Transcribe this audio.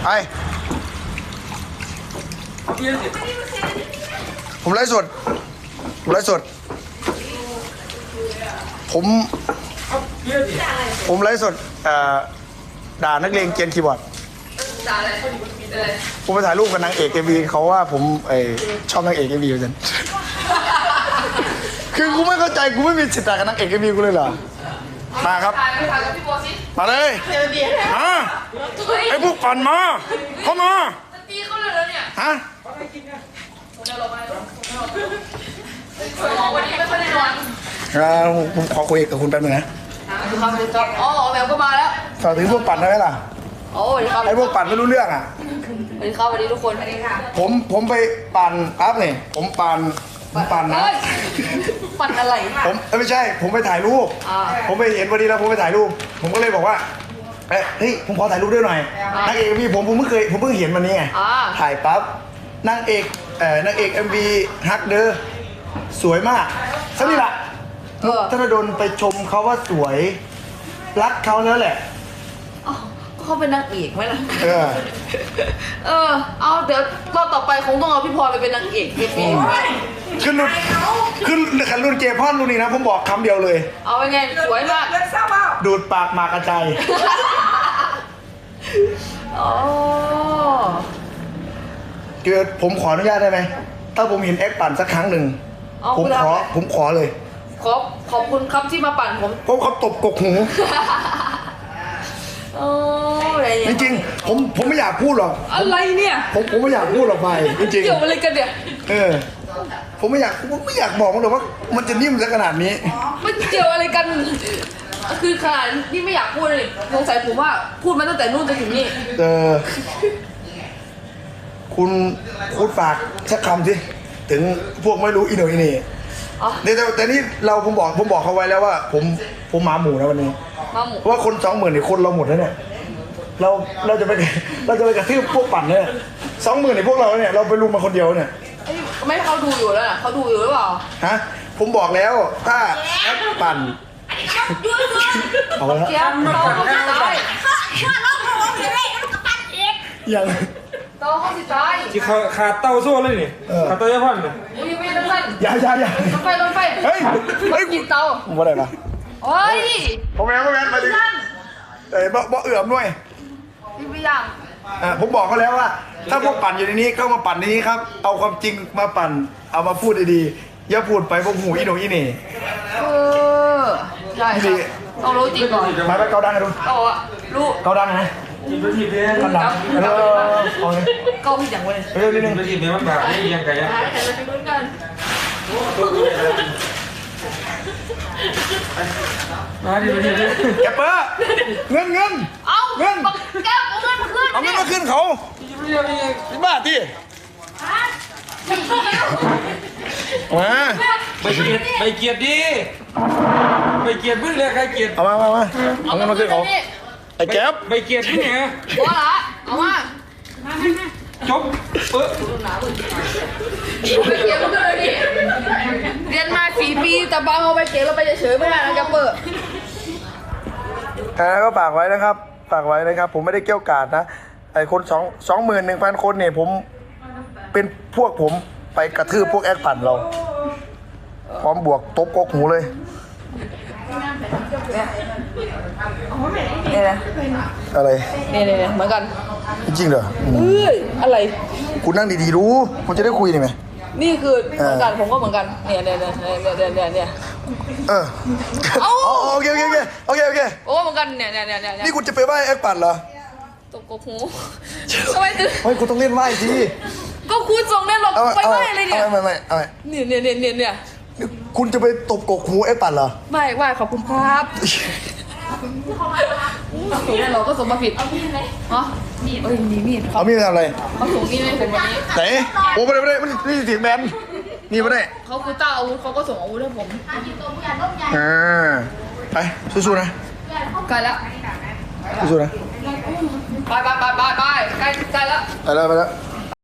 ไอผมไลฟ์สดผมไลฟ์สดผมไลฟ์สดด่านักเลงเกียนคีย์บอร์ดด่าอะไรผมไปถ่ายรูปกับนางเอกMVเขาว่าผมชอบนางเอกMVเหมือนกันคือกูไม่เข้าใจกูไม่มีสิทธิ์ด่ากับนางเอกMVกูเลยเหรอมาครับมาเลยมาไอ้พวกปั่นมาเข้ามาตีเขาเลยแล้วเนี่ยฮะวันนี้ไม่ค่อยได้นอนผมขอคุยกับคุณแป๊บนึงนะอ๋อแมวก็มาแล้วฝากถึงพวกปั่นได้ไหมล่ะโอ้ยไอ้พวกปั่นไม่รู้เรื่องอ่ะสวัสดีครับสวัสดีทุกคนสวัสดีค่ะผมไปปั่นปั๊บเนี่ยผมปั่นนะปั่นอะไรผมไม่ใช่ผมไปถ่ายรูปผมไปเห็นวันนี้แล้วผมไปถ่ายรูปผมก็เลยบอกว่าเฮ้ยผมขอถ่ายรูปด้วยหน่อยนางเอกMVผมเพิ่งเห็นวันนี้ไงถ่ายปั๊บนางเอกMVฮักเดอสวยมากสักนี่แหละธนดลไปชมเขาว่าสวยรักเขาแล้วแหละเขาเป็นนางเอกไหมล่ะเอาเดี๋ยวรอบต่อไปคงต้องเอาพี่พลอยไปเป็นนางเอกเองขึ้นรุ่นเจพอนรุ่นนี้นะผมบอกคำเดียวเลยเอาไปไงสวยมากดูดปากหมากกระจายเกิดผมขออนุญาตได้ไหมถ้าผมเห็นแอคปั่นสักครั้งหนึ่งผมขอเลยขอบคุณครับที่มาปั่นผมเขาตบกกหูจริงๆผมไม่อยากพูดหรอกอะไรเนี่ยผมไม่อยากพูดหรอกไปจริงๆเกี่ยวอะไรกันเนี่ยผมไม่อยากบอกมันหรอกว่ามันจะนิ่มซะขนาดนี้มันเกี่ยวอะไรกันคือขนาดที่ไม่อยากพูดเลยสงสัยผมว่าพูดมาตั้งแต่นู่นจนถึงนี่คุณฝากสักคำสิถึงพวกไม่รู้อีโนอีนี่แต่นี่ผมบอกเขาไว้แล้วว่าผมหมาหมูนะวันนี้เพราะว่าคน 20,000เนี่ยคนเราหมดแล้วเนี่ยเราจะไปกระทืบพวกปั่นเนี่ย20,000เนี่ยพวกเราเนี่ยเราไปรุมมาคนเดียวเนี่ยไม่เขาดูอยู่แล้วนะเขาดูอยู่หรือเปล่าฮะผมบอกแล้วถ้าแอปปั่นเอาละยังเต้าเขาสิตายที่ขาดเต้าโซ่เลยนี่ขาดเต้าเยอะพันเลยไม่ต้องพันอย่ารถไฟเฮ้ยกินเต้าผมว่าอะไรนะโอ้ยผมแม่มาดิบ่เอื่อมด้วยพี่ไม่ยังผมบอกเขาแล้วว่าถ้าพวกปั่นอยู่ในนี้ก็มาปั่นในนี้ครับเอาความจริงมาปั่นเอามาพูดดีๆอย่าพูดไปพวกหูอีโนอีเน่ใช่เอารู้จริงก่อนมาไปเกาดังกันดูรู้เกาดังนะกินไปทีเดียวกันดังเอาเลยเกาผิดอย่างเลยนิดนึงไปทีเดียวมันแบบไม่เอียงไกลอ่ะเราไปลุ้นกันมาดิมาดิแกเปอร์เงินเอาเงินแกเอาเงินมาขึ้นเอาเงินมาขึ้นเขาบ้าที่มาไปเกียรติดิไปเกียรติพึ่งเลยใครเกียรติเอามาเอาเงินมาขึ้นเขาไอ้แก๊ปไปเกียรติพึ่งไงว่าละเอามาจบไปเกียรติพึ่งเลยดิเรียนมา4 ปีแต่บางเอาไปเกียรติเราไปเฉยไม่ได้นะแกเปิดก็ฝากไว้นะครับผมไม่ได้เกี่ยวกาดนะไอ้คน21,000 คนเนี่ยผมเป็นพวกผมไปกระทืบพวกแอคปั่นเราพร้อมบวกตบกกหูเลยเนี่ยนะอะไรเนี่ยเหมือนกันจริงเหรออะไรคุณนั่งดีๆรู้คุณจะได้คุยได้ไหมนี่คือเหมือนกันผมก็เหมือนกันเนี่ยโอเคโอ้เหมือนกันเนี่ยนี่คุณจะไปไหว้แอคปั่นเหรอตบกกหูทำไมถึงเฮ้ยคุณต้องเล่นไหว้สิก็คุณส่งได้หรอกไปไหว้อะไรเนี่ยไม่เนี่ยคุณจะไปตบกกหูแอคปั่นเหรอไม่ไหว้ขอบคุณครับเราก็ส่งมาผิดเอามีดไหมฮะมีดเอามีดทำอะไรเขาส่งมีดให้ผมวันนี้ไหนโอ้ไม่ได้มันนี่เสียงแบนนี่ไม่ได้เขาคือต้าอาวุธเขาก็ส่งอาวุธให้ผมไปสู้ๆนะใกล้แล้วสู้ๆนะไปใกล้แล้วไปแล้ว